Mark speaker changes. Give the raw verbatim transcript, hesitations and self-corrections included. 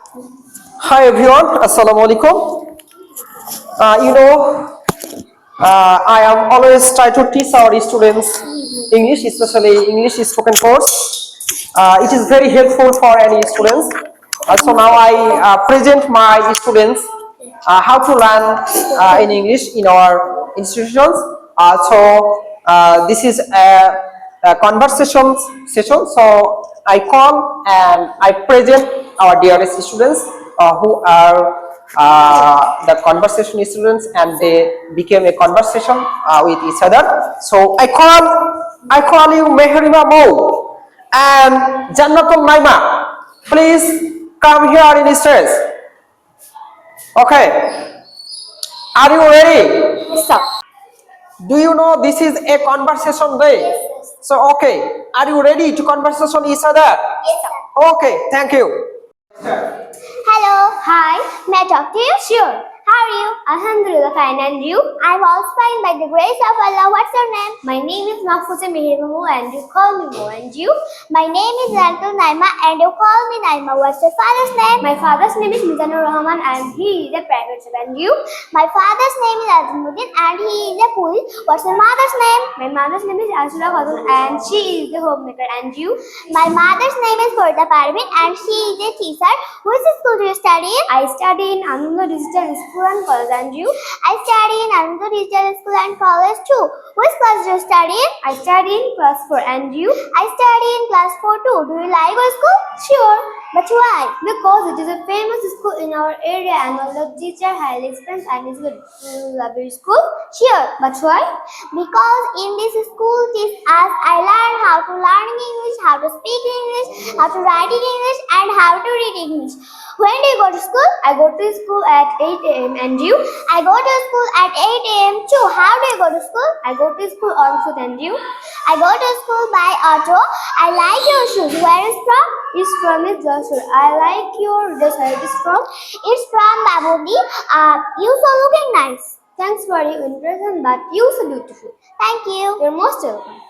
Speaker 1: Hi everyone, Assalamu alaikum. Uh, you know, uh, I am always try to teach our students English, especially English spoken course. Uh, it is very helpful for any students. Uh, so now I uh, present my students uh, how to learn uh, in English in our institutions. Uh, so uh, this is a, a conversation session. So I call and I present our dearest students uh, who are uh, the conversation students, and they became a conversation uh, with each other. So I call I call you Mehrima Mo and Jannatul Naima. Please come here in stage. Okay. Are you ready?
Speaker 2: Yes, sir.
Speaker 1: Do you know this is a conversation day?
Speaker 2: Yes, yes.
Speaker 1: So okay. Are you ready to conversation each other?
Speaker 2: Yes, sir.
Speaker 1: Okay. Thank you.
Speaker 2: Hello. Hi. May I talk to you? Sure. How are you? Alhamdulillah, fine. And you? I'm also fine by the grace of Allah. What's your name? My name is Mahfouza Mehrimu and you call me Mo. And you? My name is Zantul Naima and you call me Naima. What's your father's name? My father's name is Mizanur Rahman and he is a private student. And you? My father's name is Azimuddin and he is a police. What's your mother's name? My mother's name is Ashura Khatun and she is the homemaker. And you? My mother's name is Korda Parvin and she is a teacher. Which school do you study in? I study in Ananda Digital School and College. And you? I study in Ananda Digital School and College too. Which class do you study in? I study in class four. And you? I study in class four too. Do you like our school? Sure. But why? Because it is a famous school in our area and all the teacher highly experienced and is good. Do you love your school? Sure. But why? Because in this school teach us I learn how to learn English, how to speak English, how to write in English and how to read English. When do you go to school? I go to school at eight a m And you? I go to school at eight a m too. How do you go to school? I go to school on foot. And you? I go to school by auto. I like your shoes. Where is from? It's from is Joshua. I like your dress. Where it is from? It's from Babudi. Uh, you so looking nice. Thanks for your impression, but you so beautiful. Thank you. You're most welcome.